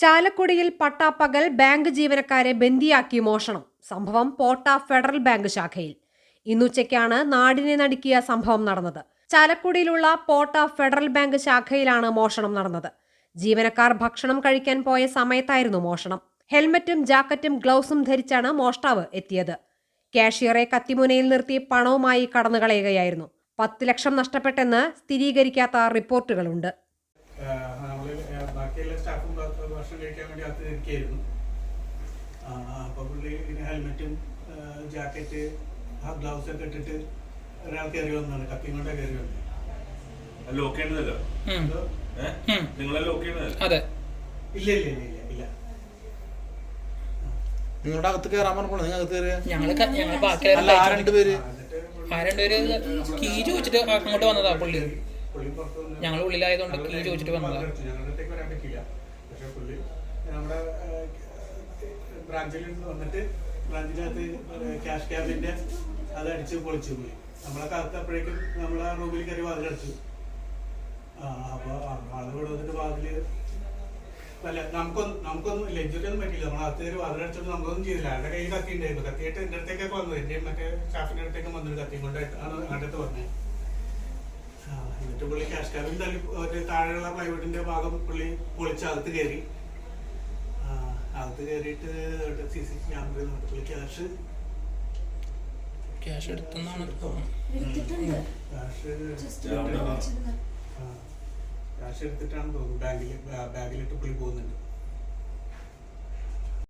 ചാലക്കുടിയിൽ പട്ടാപ്പകൽ ബാങ്ക് ജീവനക്കാരെ ബന്ദിയാക്കി മോഷണം. സംഭവം പോട്ട ഫെഡറൽ ബാങ്ക് ശാഖയിൽ. ഇന്നുച്ചയ്ക്കാണ് നാടിനെ നടുക്കിയ സംഭവം നടന്നത്. ചാലക്കുടിയിലുള്ള പോട്ട ഫെഡറൽ ബാങ്ക് ശാഖയിലാണ് മോഷണം നടന്നത്. ജീവനക്കാർ ഭക്ഷണം കഴിക്കാൻ പോയ സമയത്തായിരുന്നു മോഷണം. ഹെൽമറ്റും ജാക്കറ്റും ഗ്ലൗസും ധരിച്ചാണ് മോഷ്ടാവ് എത്തിയത്. കാഷ്യറെ കത്തിമുനയിൽ നിർത്തി പണവുമായി കടന്നുകളയുകയായിരുന്നു. 10 ലക്ഷം നഷ്ടപ്പെട്ടെന്ന് സ്ഥിരീകരിക്കാത്ത റിപ്പോർട്ടുകളുണ്ട്. ബാക്കിയുള്ള സ്റ്റാഫും ഭക്ഷണം കഴിക്കാൻ വേണ്ടി അകത്ത് നിൽക്കുകയായിരുന്നു. അപ്പോൾ പുള്ളി ഹെൽമെറ്റും ജാക്കറ്റ് ഗ്ലൗസ് ഒക്കെ ഇട്ടിട്ട് ഒരാൾ കയറി വന്നതാണ്. കത്തി കൊണ്ടേ കയറി വന്നത്. ഇല്ല ഇല്ല ഇല്ല ഇല്ല ഇല്ല നിങ്ങളുടെ അകത്ത് കയറാൻ പറഞ്ഞപ്പോൾ നിങ്ങൾ അകത്ത് കയറിയ കീ ചോദിച്ചിട്ട് അങ്ങോട്ട് വന്നതാ പുള്ളി. ഞങ്ങൾ ഉള്ളിലായതുകൊണ്ട് കീ ചോദിച്ചിട്ട് വന്നതാ. പക്ഷെ പുള്ളി നമ്മുടെ ബ്രാഞ്ചിൽ വന്നിട്ട് ബ്രാഞ്ചിനകത്ത് ക്യാഷ് ക്യാബിന്റെ അത് അടിച്ച് പൊളിച്ചു പോയി. നമ്മളെ കാലത്തപ്പോഴേക്കും നമ്മളെ റൂമിൽ കയറി വാതിലടിച്ചു. അപ്പോൾ ആള് ഇവിടെ വന്നിട്ട് വാതില് അല്ല നമുക്കൊന്നും ലഞ്ചൊന്നും പറ്റില്ല. നമ്മളകത്ത് കയറി വാതിലടിച്ചോണ്ട് നമുക്കൊന്നും ചെയ്തില്ല. ആളുടെ കയ്യിൽ കത്തി ഉണ്ടായിരുന്നു. കത്തിയിട്ട് എൻ്റെ അടുത്തേക്കൊക്കെ വന്നത്. എൻ്റെ മറ്റേ സ്റ്റാഫിൻ്റെ അടുത്തേക്ക് വന്നിട്ട് കത്തി കൊണ്ടാണ് അടുത്ത് പറഞ്ഞത്. എന്നിട്ട് പുള്ളി ക്യാഷ് ക്യാബിൻ തള്ളി താഴെയുള്ള പ്ലൈവുഡിന്റെ ഭാഗം പുള്ളി പൊളിച്ച് അകത്ത് കയറി. അകത്ത് കയറിയിട്ട് CCTV ക്യാമറയിൽ നോക്കി പുള്ളി ക്യാഷ് എടുത്തെന്നാണ് ക്യാഷ് എടുത്തിട്ടാണ് തോന്നുന്നു ബാഗിലിട്ട് പുള്ളി പോകുന്നുണ്ട്.